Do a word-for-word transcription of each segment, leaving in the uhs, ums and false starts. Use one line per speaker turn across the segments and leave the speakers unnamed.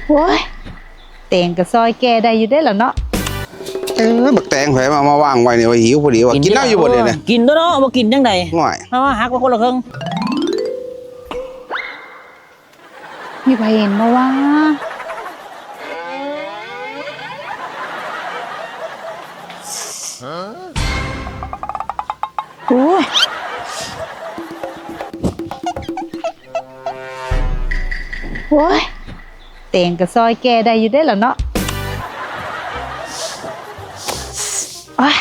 โอ้ยเต่งกับซอยแกได้อยู่ได้หรอเนาะ
เออบักแตงไผมามาวางไว้เนี่ยว่าหิวพอดีว่ากินน้ำอยู่บ่เลยเนี่ย
กินตัวเนาะมากินยังไง
ง่อย
เพราะว่าหักไปคนละครึ่ง
มีใครเห็นมาว่าโอ้ยโอ้ยเต่งกับซอยแกได้อยู่ได้หรอเนาะโอ้ย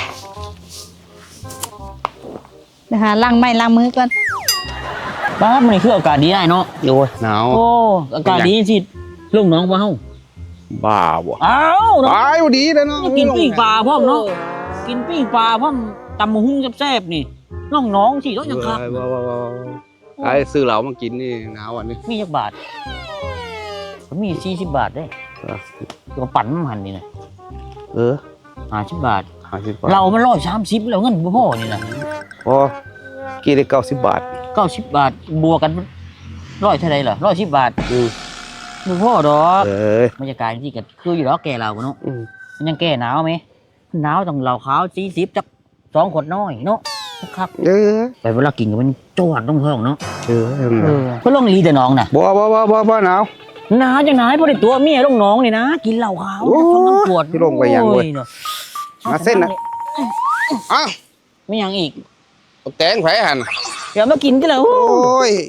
เดี๋ยวหาล้างไม้ล้างมือก่อน
บ้านมันคืออากาศดีได้เนาะ
โอ้ยหนาว
โอ้อากาศดีสิลูกน้องว่าเฮา
บ้าบ่
อ้าว
ตายพอดีเลยเนาะ
กินปิ้งปลาพร้อมเนาะกินปิ้งปลาพร้อมตำมะฮุ่งแซ่บๆนี่น้องน้องสิต้องยังคัก
ไอ้ซื้อเหล้ามากินนี่หนาววันนี้
มีจักบาทมีสี่สิบบาทได้ก็ปั่นมันหันนี่นะ
เออ
ห้าสิบบาท
ห้าสิบบาท
เรามันร้อยสามสิบแล้วเงินบ่พอนี่นะ
พอกี่ได้เก้าสิบบาท
เก้าสิบบาทบวกกันร้อยเท่าไรเหรอร้อยสิบบาท
อืม
บ่พอดอก
เออบ
รรยากาศที่ก็คืออยู่แล้วแก่เราเนาะมันยังแก่หนาวไหมหนาวต้องเหล้าขาวสี่สิบจักสองขวดน้อยเนาะครับ
เออ
ไปเวลากินก็มันจวดต้องท้องเนาะ
เออ
เออก็ลงลีแต่น้องน่ะ
บ่บ่บ่บ่บ่หนาว
หนาวจังไหนพอได้ตัวเมียลงน้องนี่นะกินเหล้าขาวท้องน้ำปวด
ที่ลงไปยังเว้ยมาเส้นนะอ้าว
ไม่ยังอีก
แตงไผหั่น
เดี๋ยวมากินกันแล้ว
โอ้ย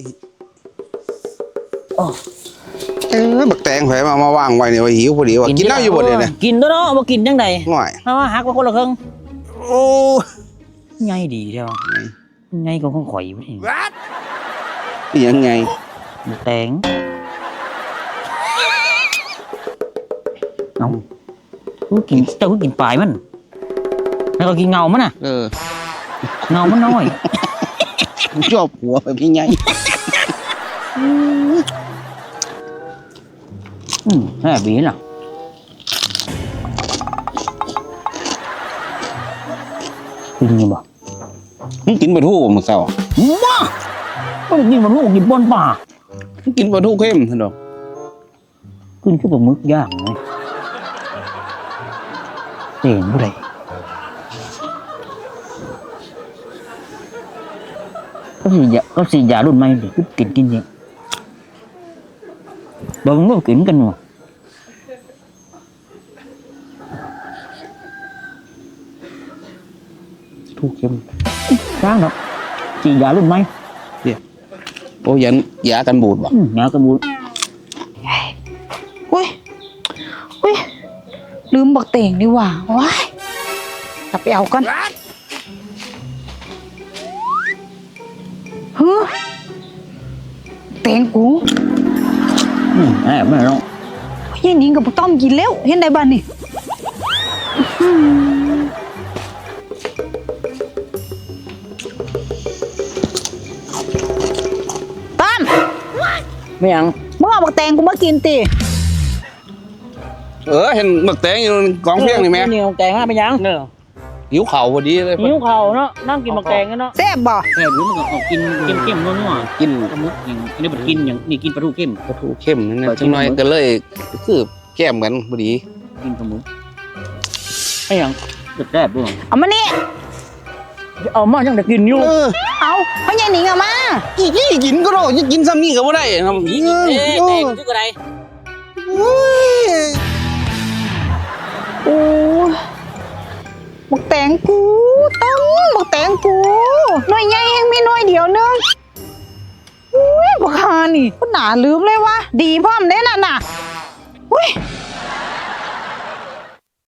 เออบักแตงไผมามาวางไว้เนี่ยว่าหิวพอดีว่ากินน้ำอยู่บ่เลยเนี่ย
กินตัวเนาะมากินยังไง
ง่อย
เพราะว่าหักไปคนละครึ่ง
โอ้
ไงดีเดียวไงก็คงข่อยอยู่นี่
ยังไง
แตงเอากูกินเจ้ากูกินปลายมันแล้วก็กินเงามันน่ะ
เออ
เงามันน้อย
ชอบหัวแบบนี้ไง
อืมแม่บีน่ะกินยังบ่
นี่กินปลาทูมึงเศร้า
ว้าไม่ได้กินปลาทูกินบนป่า
กินปลาทูเข้มท่านดอก
ขึ้นขึ้นปลาหมึกย่างไงเห็นผู้ใดก็สียาก็สียารุ่นใหม่ดิกินกินเนี่ยบางก็กินกันว่ะ
ทูเข้ม
ร้างเนาะสียารุ่นใหม่
เดี๋ยวโอ้ยันยากันบูดบ่
ยากันบูด
อุ้ยอุ้ยลืมบักเต่งดีกว่าว้ายกลับไปเอากันฮึเต่งกู
อืมแอบไม่หรอก
ยัยนิ่งกับต้อมกินแล้วเห็นได้บ้านนี่ต้อม
ไม่ยัง
มึงเอาบักแตงกูมากินตี
เออเห็นบักแตงอยู่กองเพียงนี่แม่
นี่บักแตงมาไปยังเนอะ
หิวเข่าพอดีเลย
หิวเข่าเนาะนั่งกินบักแตงกันเนาะ
แซ่บบ่
แซ่บหรือมันก็กินเข้มๆนัวๆกินปลาหมึกอย่างนี้มันกินอย่างนี่กินปลาทูเข้ม
ปลาทูเข้มนั่นนะจังหน่อยก็เลยคือแก้มเหมือนพอดี
กินปลาหมึกไอ้ยังแซ่บด้วย
เอามานี่
เอามาจังแต่กินอยู่
เอาเพราะยัยนิ่งเอามา
อีกกินก็ได้จะกินซ้ำนี่ก็ไม่ได้ทำอีก
เอ๊ะแต่ก็คืออะไร
โอ้บักแตงกูต้มบักแตงกูหน่วยใหญ่เองมีหน่วยเดียวนึงอุ้ยบักฮานี่ก็หนาลืมเลยวะดีพร้อมเด้น่ะน่ะอุ้ย